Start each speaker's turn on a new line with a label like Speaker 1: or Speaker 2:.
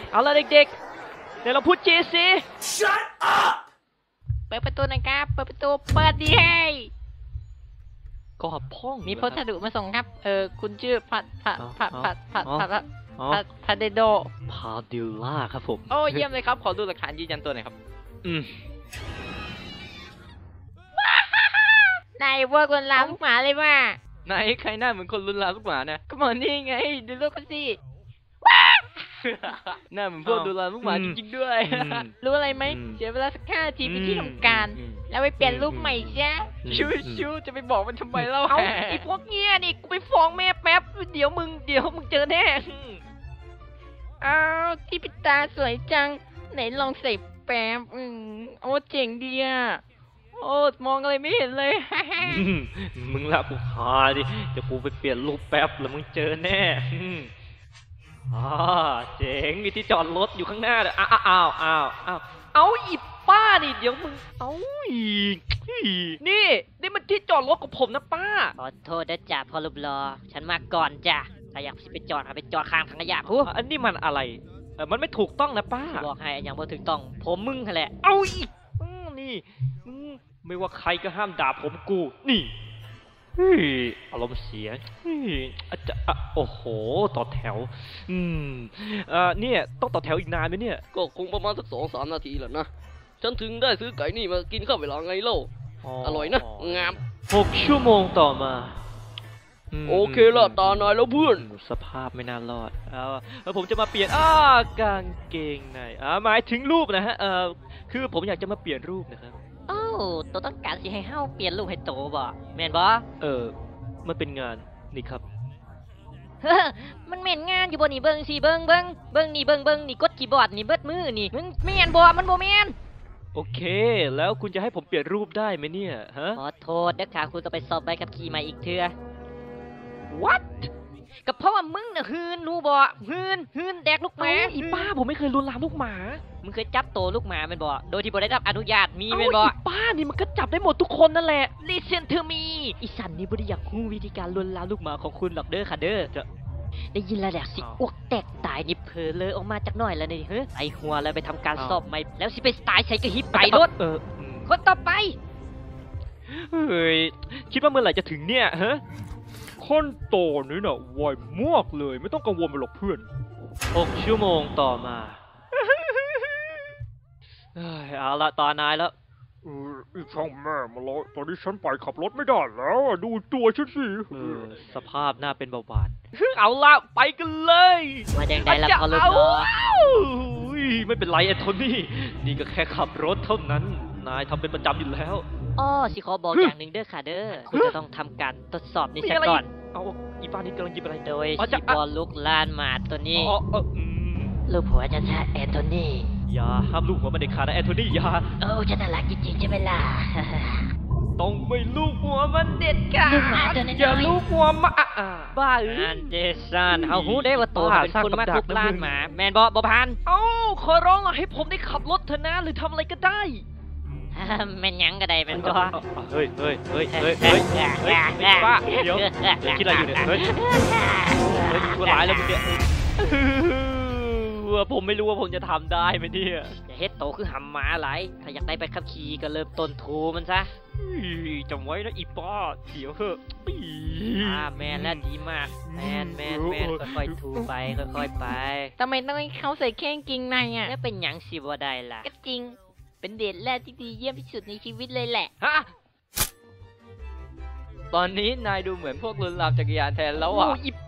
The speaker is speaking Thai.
Speaker 1: เอาละเด็กๆเดี๋ยวเราพูดจีสิ
Speaker 2: Shut up
Speaker 3: เปิดประตูนะครับเปิดประตูเปิดดีให้
Speaker 1: ก็พ่อง
Speaker 3: มีพัสดุมาส่งครับคุณชื่อพาเดโด
Speaker 1: พาดิลล่าครับผม
Speaker 3: โอ้เยี่ยมเลยครับขอดูหลักฐานยืนยันตัวหน่อยครับนายพวกคนลามลูกหมาเลยว่า
Speaker 1: ไหนใครหน้าเหมือนคนลุนลามลูกหมานะ
Speaker 3: ก็เหมือนนี่ไงดูรูปกันสิ
Speaker 1: หน้าเหมือนพวกลุนลามลูกหมาจริงๆด้วย
Speaker 3: รู้อะไรไหมเสียเวลาสัก5 นาทีไปที่ทำการแล้วไปเปลี่ยนรูปใหม่ใช่ชิวจะไปบอกมันทำไมเล่าไอ้พวกเงี้ยนี่กูไปฟ้องแม่แป๊บเดี๋ยวมึงเจอแน่อ้าวที่ปิดตาสวยจังไหนลองใส่แป๊บโอ้เจ๋งดีอ่ะโอ้มองอะไรไม่เห็นเลย
Speaker 1: มึงละกูหาดิจะกูไปเปลี่ยนรูปแป๊บแล้วมึงเจอแน่เจ๋งมีที่จอดรถอยู่ข้างหน้าเลยเอาอีป้าดิเดี๋ยวมึงเอาอีกนี่มันที่จอดรถของผมนะป้า
Speaker 3: ขอโทษนะจ่าพอรูปรอฉันมาก่อนจ้ะถ้าอยากไปจอดไปจอดข้างถังขยะพู
Speaker 1: อันนี้มันอะไรมันไม่ถูกต้องนะป้า
Speaker 3: บอกให้อย่างบ่ถูกต้องผมมึงแหละ
Speaker 1: เอาอีกนี่ไม่ว่าใครก็ห้ามด่าผมกูนี่อารมณ์เสียอาจจะโอ้โหต่อแถวเนี่ยต้องต่อแถวอีกนานไหมเนี่ย
Speaker 2: ก็คงประมาณสัก2-3 นาทีแหละนะฉันถึงได้ซื้อไก่นี่มากินข้าวเวลาไงเล่าอร่อยนะงาม
Speaker 1: 6 ชั่วโมงต่อมา
Speaker 2: โอเคละตานายแล้วเพื่อน
Speaker 1: สภาพไม่น่ารอดแล้วผมจะมาเปลี่ยนกางเกงในหมายถึงรูปนะฮะคือผมอยากจะมาเปลี่ยนรูปนะครับ
Speaker 3: ตัวต้องการสิให้เฮาเปลี่ยนรูปให้โตบ่แม่นบ่
Speaker 1: มันเป็นงานนี่ครับ
Speaker 3: มันแม่นงานอยู่บ่นี่เบิ่งสิเบิ่งนี่เบิ่งนี่กดคีย์บอร์ดนี่เบิดมือนี่มึงแม่นบ่มันบ่แม่น
Speaker 1: โอเคแล้วคุณจะให้ผมเปลี่ยนรูปได้ไหมเนี่ยฮะ
Speaker 3: ขอโทษเด้อค่ะคุณต้องไปสอบใบขับขี่ใหม่อีกเทื่อ
Speaker 1: What
Speaker 3: ก็เพราะว่ามึงน่ะหืนรู้บ่หืนแดกลูกหมา
Speaker 1: อีป้าผมไม่เคยลวนลามลูกหมา
Speaker 3: มึงเคยจับโตลูกหมาแม่นบ่โดยที่บ่ได้รับอนุญาตมีแม่นบ่
Speaker 1: อีป้านี่มันก็จับได้หมดทุกคนนั่นแหละ
Speaker 3: Listen to me อีสันนี่บ่ได้อยากรู้วิธีการลวนลามลูกหมาของคุณหรอกเด้อค่ะเด้อจะได้ยินแล้วแหละสิอ้วกแตกตายนี่เผลอเลยออกมาจากหน่อยแล้วนี่เฮ้ยไอหัวแล้วไปทำการสอบใหม่แล้วสิไปตายใส่กระหิบไปรถคนต่อไป
Speaker 1: เฮ้ยคิดว่าเมื่อไหร่จะถึงเนี่ยฮะขั้นตอนนี้น่ะไวมากเลยไม่ต้องกังวลไปหรอกเพื่อน6 ชั่วโมงต่อมาเอาละตานายแล้ว
Speaker 4: อีช่างแม่มาแล้วตอนนี้ฉันไปขับรถไม่ได้แล้วดูตัวฉันสิ
Speaker 1: สภาพน่าเป็นเบาหวานเอาละไปกันเลย
Speaker 3: มาแดงได้ละพอลุก
Speaker 1: ไม่เป็นไรแอนโทนี่นี่ก็แค่ขับรถเท่านั้นนายทำเป็นประจำอยู่แล้ว
Speaker 3: สิขอบอกอย่างหนึ่งเด้อค่ะเด้อคุณจะต้องทำการทดสอบนี่ซะก่อน
Speaker 1: เอาอีป้านี่กำลังหยิบอะไร
Speaker 3: โดยสิบอลลุกลานหมาตัวนี้ลูกหัวจะชาแอนโทนี่
Speaker 1: อย่าห้ามลูกหัวมันเด็ดขาดนะแอนโทนี่อย่า
Speaker 3: จะน่ารักจริงๆใช่ไหมล่ะ
Speaker 1: ต้องไม่ลูกหัวมันเด็ดขาด
Speaker 3: อย่า
Speaker 1: ลูกหัวมาบ้า
Speaker 3: อันเดซันเฮาฮู้ได้ว่าตัวเป็นคนมาทุกลานหมาแมนบ่พัน
Speaker 1: ขอร้องให้ผมได้ขับรถเถอะนะหรือทำอะไรก็ได้
Speaker 3: แม่นยังก็ได้แม่นบ่
Speaker 1: เฮ้ยป้าเดี๋ยวคิดอะไรอยู่เนี่ยเฮ้ยตัวร้ายแล้วมึงเนี่ยผมไม่รู้ว่าผมจะทำได้ไหมเนี่ย
Speaker 3: จะเฮ็ดโตคือหำหมาหลายถ้าอยากได้ไปขับขี่ก็เริ่มต้นทูมันซะ
Speaker 1: จำไว้นะอีป้าเดี๋ยวเหอะ
Speaker 3: แมนแล้วดีมากแมนค่อยๆทูไปค่อยๆไปทำไมต้องให้เขาใส่แข้งจริงในอ่ะแล้วเป็นหยังสิบ่ได้ล่ะก็จริงเป็นเดทแรกที่ดีเยี่ยมที่สุดในชีวิตเลยแหละ
Speaker 1: ตอนนี้นายดูเหมือนพวกลุนลามจักรยานแทนแล้วอ่ะ
Speaker 3: อี